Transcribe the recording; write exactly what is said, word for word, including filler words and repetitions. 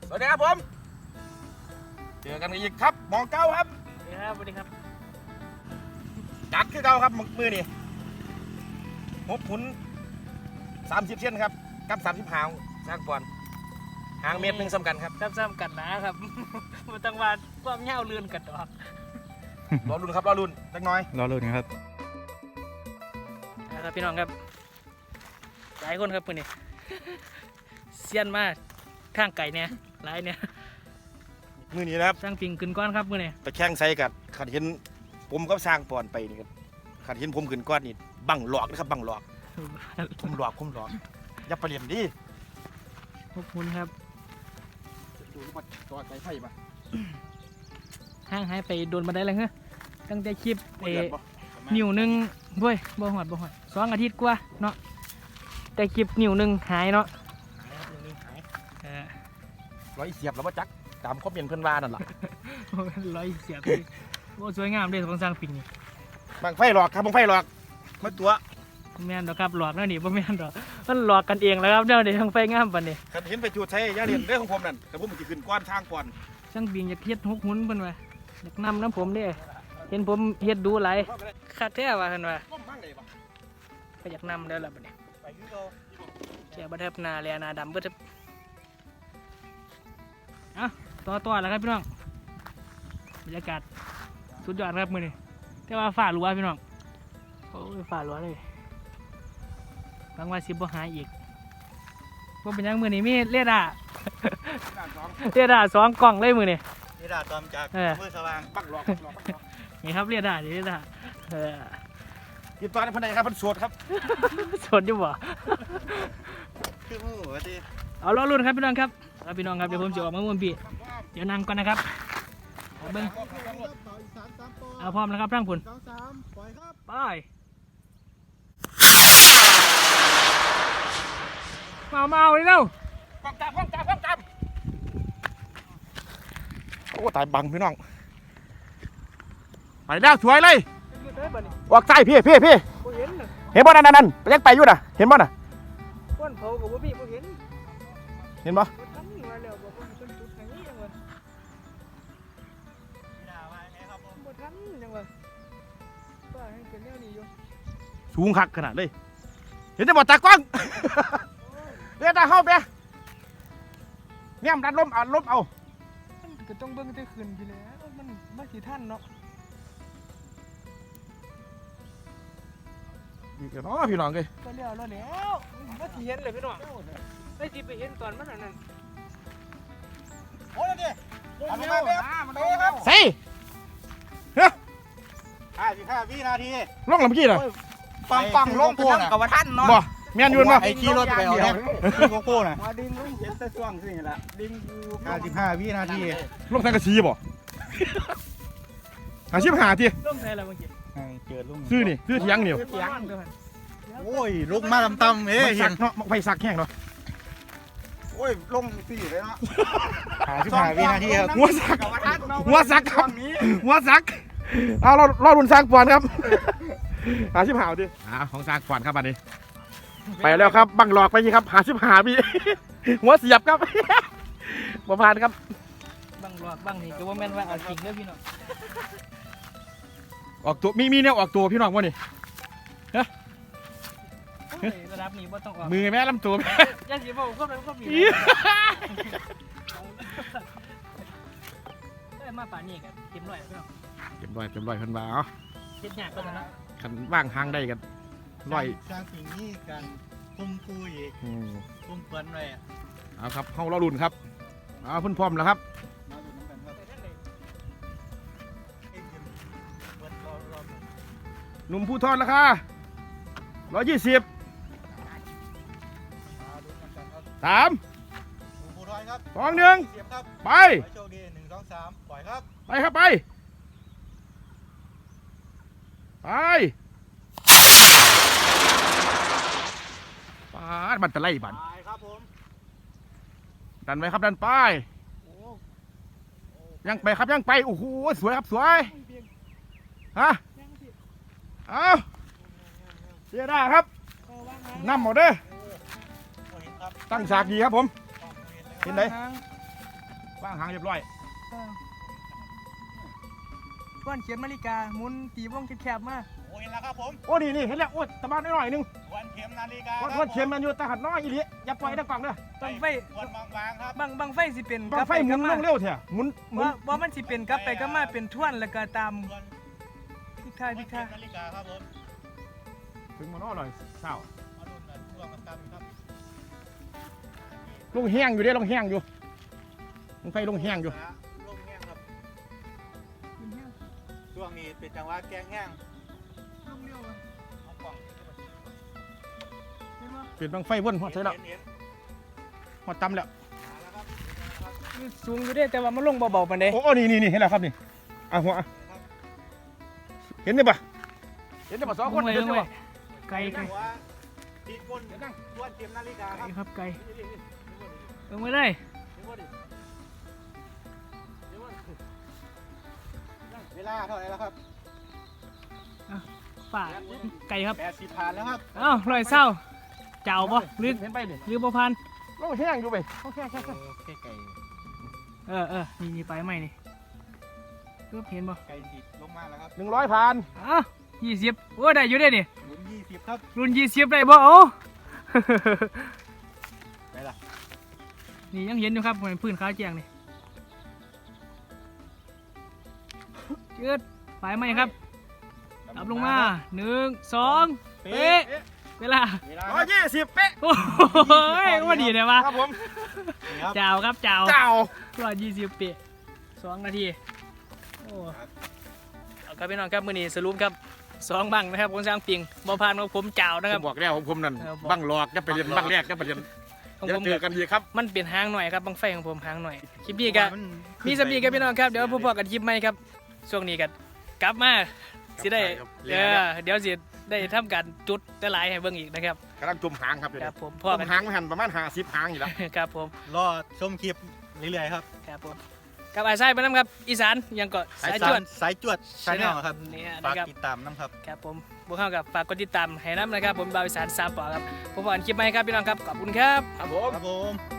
สวัสดีครับผมเจอกันอีกครับมองเก้าครับสวัสดีครับสวัสดีครับจัดคือเก้าครับมือนี่หกขุนสามสิบเส้นครับกับสามสิบหางสร้างปอนหางเมตรหนึ่งสำคัญครับซ้ำๆกันนะครับ มันต้องว่าความเงาเลื่อนกันดอกรอรุ่นครับรอรุ่นเล็กน้อยรอรุ่นครับนะครับพี่น้องครับหลายคนครับคนนี้ เซียนมากข้างไก่เนี่ยหลายเนี่ยมือนี้นะครับสร้างปิงขึ้นก้อนครับมือนี้ไปแข่งใส่กันขัดเห็นผมก็สร้างปอนไปนี่ครับขัดเห็นผมขึ้นก้อนนี่บังหลอกนะครับบังหลอกผมหลอกผมหลอกอย่าไปเรียนดิขอบคุณครับดูมาต่อใจไพ่มาห้างหายไปโดนมาได้เลยเหรอตั้งแต่คลิปเอเรียนปะนิ้วหนึ่งเว้ยบ่หอดบ่หอดสองอาทิตย์กว่าเนาะแต่คลิปนิ้วหนึ่งหายเนาะเออร้อยเสียบแล้วว่าจักตามคอมเมนต์เพื่อนว่านั่นแหละร้อยเสียบเลยโอ้สวยงามเลยของสร้างปิงนี่บังไฟหลอกครับบังไฟหลอกมาตัวแม่นดอกครับหลอกแล้วนี่บ่แม่นดอกมันหลอกกันเองแล้วครับเดี๋ยวนี้ทางไฟงามปานนี้ขัดเห็นไปจูดใช้ยาเรียนเรื่องของผมนั่นแต่ผมมันจะขึ้นก้อนทางก่อนช่างปิงอยากเฮ็ดหกหุ่นเพิ่นว่าอยากนำน้ำผมเด้เห็นผมเฮ็ดดูหลายคักแท้ว่าเพิ่นว่าก้มมั่งเลยปะก็อยากนำแล้วล่ะบัดนี้ไปคือเราแกบ่ทับหน้าแลหน้าดำเบิดเอ้าต่อต่อแล้วครับพี่น้องบรรยากาศสุดยอดครับมื้อนี้แต่ว่าฟ้าหลัวพี่น้องโอ้ยฟ้าหลัวเลยบางว่าสิบ่หาอีกบ่เป็นหยังมื้อนี้มีเรดาร์ เรดาร์สองกล่องเลยมื้อนี้นี่ด่าตอมจากเออมือสว่างปักหลอกปักหลอกปักหลอกนี่ครับเรดาร์นี่เรดาร์เออกินตอนนี้พันใดครับพันสวดครับสดอยู่บ่คือมือวะทีเอาล้อรุ่นครับพี่น้องครับเอาพี่น้องครับเดี๋ยวผมจะออกมาม่วนพี่เดี๋ยวนั่งก่อนนะครับเอาเบิ้งเอาพร้อมแล้วครับร่างผุนสองสามปล่อยครับไปมามาเอาเลยเร็วป้องจับป้องจับป้องจับโอ้ตายบังพี่น้องไปแล้วสวยเลยออกใต้พี่พี่พี่บ่เห็นน่ะเห็นบ่นั่นนั่นนั่นยังไปอยู่น่ะเห็นบ่น่ะก้นเผากับบ่พี่บ่เห็นเห็นบ่บ่ทันมาแล้วบ่เพิ่นเพิ่นจุดให้ยังวะบ่ทันยังวะป้าให้เป็นแนวนี้อยู่สูงคักขนาดเลยเห็นจะบ่ตากล้องเรียกตาเข้าไปเนี่ยมันดันล้มเอาล้มเอามันก็ต้องเบิ่งแต่ขึ้นพี่แหล้วมันบ่สิทันเนาะอีกแล้วเนาะพี่น้องเลยก็แล้วแล้วแล้วบ่สิเห็นเลยพี่น้องได้สิไปเห็นตอนมันอันนั้นโอ้ยนี่ทำมาแบบครับใส่ห้าสิบห้าวินาทีลงลำกี้น่ะปังปังลงโป้น่ะกับว่าท่านเนาะบ่แม่นยืนบ่ไอ้ขี่รถไปเอาเนี่ยขึ้นโป้น่ะมาดึงลุงเห็นแต่ช่วงสิ่งละดึงอยู่ห้าสิบห้าวินาทีลงทางกระชีบ่หาชิบหาทีร่มใส่แล้วเมื่อกี้เกิดลุงซื้อนี่ซื้อเถียงนี่เสียงเด้อโอ้ยลุกมาตำๆเอ้ไม่ยสักเนาะไม่สักแห้งเนาะโอ้ยลงสี่เลยเนาะห้าสิบห้าวินาทีครับหัวสักหัวสักครับหัวสักเอาเราเรารุนสร้างปอนครับหาชิบหาดิอ่าของสร้างปอนครับอันนี้ไปแล้วครับบังหลอกไปยี่ครับหาชิบหาพี่หัวเสียบครับบ่ผ่านครับบังหลอกบังนี่ก็ว่าแม่นว่าเอาจริงเด้อพี่น้องออกตัวมีมีเนี่ยออกตัวพี่น้องวะนี่โอ้ยระดับนี้บ่ต้องออกมือแม่ลำตัวแม่อย่าสิบ่คนนั้นคนมีเอ้ยมาป่านนี้กันเต็มร้อยพี่น้องเต็มร้อยเต็มร้อยเพิ่นว่าเอาเฮ็ดยากกว่านั้นนะคันว่างทางได้กันร้อยสร้างสิ่งนี้กันคุมคุยอืมคุมเปิ้นเลยเอาครับเฮาเรารุ่นครับเอาเพิ่นพร้อมแล้วครับมาดูน้ำกันครับหนุ่มผู้ทอดราคาร้อยยี่สิบมาดูน้ำกันครับสามหมูปูร้อยครับสองหนึ่งเสียบครับไปขอให้โชคดีหนึ่งสองสามปล่อยครับไปครับไปไปปาดบันตะไลบันปล่อยครับผมดันไปครับดันไปยังไปครับยังไปโอ้โหสวยครับสวยฮะเอาเสียได้ครับนำหมดเด้อโอ้เห็นครับตั้งฉากดีครับผม เห็นไหนวางหางเรียบร้อยก้อนเขียนนาฬิกาหมุนตีวงแคบๆมาโอ้ยแล้วครับผมโอ้นี่นี่เห็นแล้วโอ้ตะบานน้อยๆหนึงวันเข็มนาฬิกาวันวันเข็มมันอยู่ตะหัดน้อยอีหลีอย่าปล่อยตะกล่องเด้อบังไฟวันบางๆครับบังบังไฟสิเป็นบังไฟหมุนลงเร็วเถอะหมุนหมุนว่าว่ามันสิเป็นกลับไปก็มาเป็นท่วนแล้วก็ตามส่วนทิศทางวันทิศเข็ทางมนาฬิกาครับผมถึงมันอร่อยเศร้ามาลุ้นกันช่วงกันตามครับลงแห้งอยู่เด้ลงแห้งอยู่ลงไฟลงแห้งอยู่ลงแห้งครับช่วงนี้เป็นจังหวะแกงแห้งเอากล่องเปลี่ยนบังไฟวนหอดใส่แล้วเห็นหอดตำแล้วๆมาแล้วครับครับสูงอยู่เด้แต่ว่ามันลงเบาๆปานใดโอ้โอ้นี่นี่นี่เห็นแล้วครับนี่อ่ะหัวอ่ะเห็นได้ปะเห็นได้ปะสองคนลงไว้เห็ลนงได้ไว้ปะไกลไกลจังหวะตีก้นส่วนเข็มนาฬิกาไกคลรับครับไกลนี่ๆๆลงไว้เลยเวลาเท่าไหร่แล้วครับฝ่าไกลครับแปดสิบผ่านแล้วครับเอ้าลอยเศร้าเจ้าบ่หรือเห็นไปนี่หรือบ่พันลงแห้งอยู่ไปลงแห้งแห้งแห้งแค่ไก่เออเออนี่นี่ไปใหม่นี่รูปเห็นบ่ไก่ติดลงมาแล้วครับหนึ่งร้อยพันอ้าวยี่สิบโอ้ได้อยู่เด้นี่หมุนยี่สิบครับรุ่นยี่สิบได้บ่เอ้าไปล่ะนี่ยังเห็นอยู่ครับเหมือนพื้นขาวแจงนี่เจิดไปไหมครับตับลงมาหนึ่งสองเป๊ะเวลาเวลาร้อยยี่สิบเป๊ะโอ้ยว่าดีเลยวะครับผมครับเจ้าครับเจ้าเจ้าร้อยยี่สิบเป๊ะสองนาทีโอ้เอาครับพี่น้องครับมื้อนี้สรุปครับสองบังนะครับของช้างปิงบ่ผ่านของผมเจ้านะผครับมบอกแล้วของผมนั่นเออบอกบังหลอกจะไปเรียนบังแรกจะไปเรียนของจะผมเจอกันดีครับมันเปลี่ยนหางหน่อยครับบังไฟของผมหางหน่อยคลิปนี้ก็มีสำนีครับพี่น้องครับเดี๋ยวพบกันคลิปใหม่ครับช่วงนี้กันกลับมาสิได้ครับเออเดี๋ยวสิได้ทำการจุดได้หลายให้เบิ่งอีกนะครับกำลังจมหางครับเดี๋ยวคนี้รับผมจพ่อมกันหางไม่หันประมาณห้าสิบหางอยู่แล้วครับผมรอชมคลิปเรื่อยๆครับครับผมกับอาไซไปน้ำครับอีสานยังก็สายจวดสายจวดชาแนลครับเนี่ยฝากนะครับติดตามน้ำครับครับผมพวกเขากับฝากกดติดตามให้น้ำนะครับผมบาวอีสานสามปอครับพบกันคลิปใหม่ครับพี่น้องครับขอบคุณครับครับผมครับผม